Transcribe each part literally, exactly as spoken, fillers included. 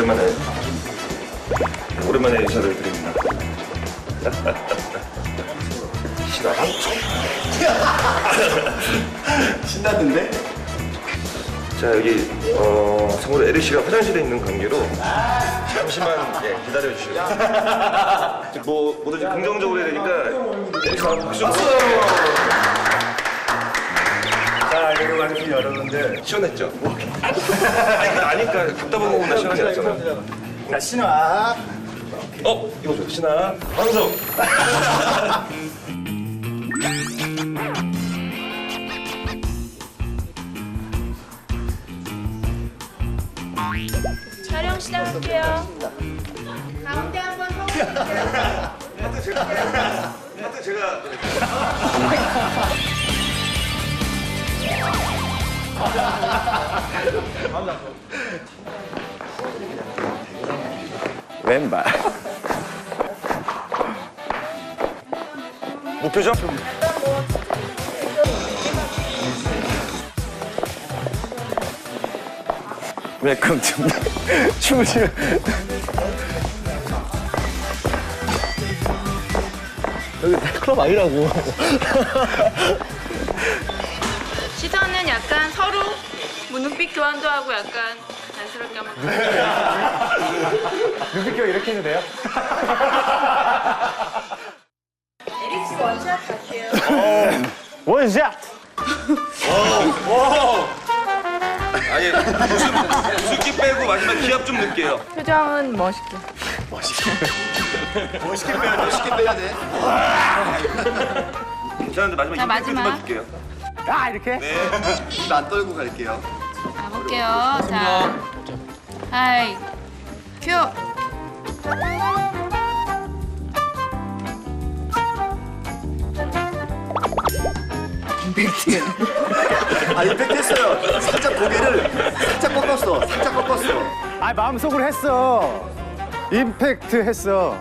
오랜만에 오랜만에 인사를 드립니다. 신나. 신나던데? 자 여기 어, 참고로 에리 씨가 화장실에 있는 관계로 잠시만 예, 기다려 주시고 뭐 뭐든지 긍정적으로 해야 되니까 에리 씨가 박수. 자, 그리고 많은 여러분들. 시원했죠? 아니 그 아니까 갔다 보고 나 시원하지 않잖아. 자, 신화. 어 이거 줘 신아 방송. 촬영 시작할게요. 가운데 한번 서주세요. 하여튼 제가 하여튼 제가 왼발. 목표죠? 웰컴 투 춤을 추는. 여기 클럽 아니라고. 시선은 약간 서로 뭐 눈빛 교환도 하고 약간 자연스럽게 한번. 눈빛 교환 이렇게 해도 돼요? 에릭 씨 원샷 갈게요. 원샷! 아니 무슨 무슨 빼고 마지막 기합 좀 넣을게요. 표정은 멋있게. 멋있게 빼야 돼. 멋있게 빼야 돼. 괜찮은데 마지막 자, 힘 마지막. 좀 줄게요. 아, 이렇게? 네. 안 떨고 갈게요. 가볼게요. 자, 하이, 큐. 임팩트. 아, 임팩트 했어요. 살짝 고개를 살짝 꺾었어. 살짝 꺾었어. 아 마음속으로 했어. 임팩트 했어.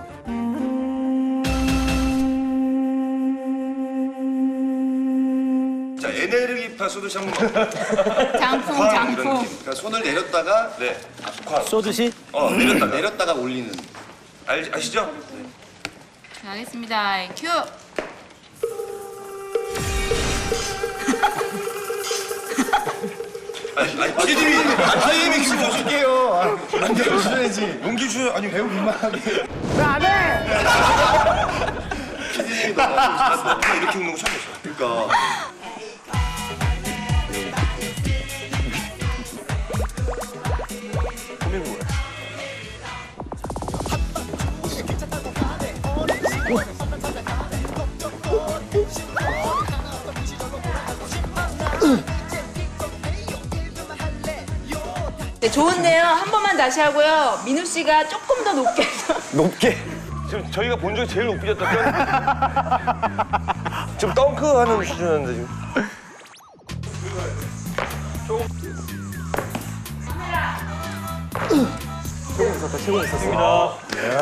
자 에네르기파 쏘듯이 한번. 장풍, 이런 장풍. 느낌. 그러니까 손을 내렸다가 네. 쾅. 쏘듯이? 어 내렸다가. 내렸다가 올리는. 알 아시죠? 자, 하겠습니다. 큐. 아니 아니 피디님이 아니 피디님이 좀 줄게요. 안돼 주셔야지. 용기 주세요. 아니 배우 민망하게. 왜안 해? 피디님이 너무 나 이렇게 웃는 거 처음 봤어. 그러니까. 네, 좋은데요. 한 번만 다시 하고요. 민우 씨가 조금 더 높게 해서. 높게. 지금 저희가 본 적에 제일 높게 졌다. 지금 덩크하는 수준인데 지금. 최고 있었다. 최고 있었어.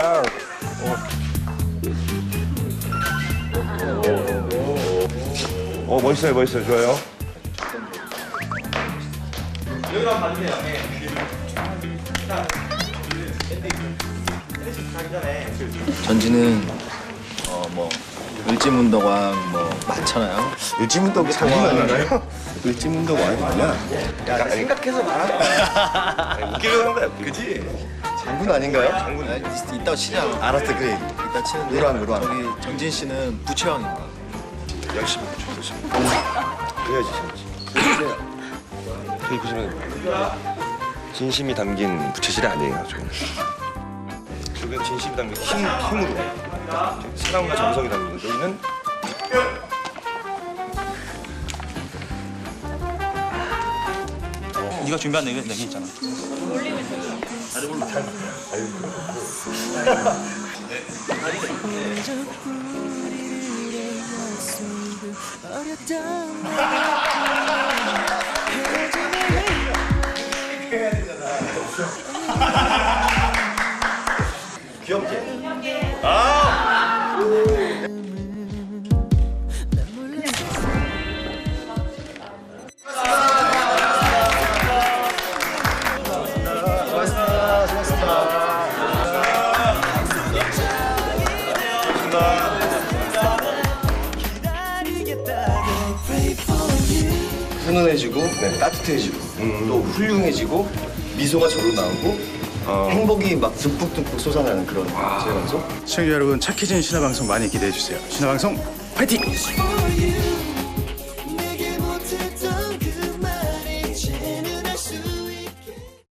어 멋있어요 멋있어요 좋아요. 전지는 어 뭐 을지문덕왕 뭐 많잖아요. 을지문덕 장군 아닌가요? 을지문덕 왕이 뭐냐? 약간 생각해서 말하는 웃기려고 한 거야. 그지? 장군 아닌가요? 장군. 아, 이따 치자. 알았어 그래. 이따 치는데 노랑, 노랑. 저기 정진 씨는 부채왕입니다. 열심히 붙여 열심히. 그래야지 재밌지. 저기 보시면 진심이 담긴 부채질이 아니에요. 저는. 저게 진심이 담긴 힘 힘으로 사랑과 정성이 담긴 거. 여기는 네가 준비한 내기, 내기 있잖아. 귀엽지? 수고하셨습니다. 수고하셨습니다. 훈훈해지고 따뜻해지고 또 훌륭해지고 미소가 절로 나오고 행복이 막 듬뿍듬뿍 솟아나는 그런 제일 방송. 시청자 여러분, 착해진 신화방송 많이 기대해 주세요. 신화방송 파이팅!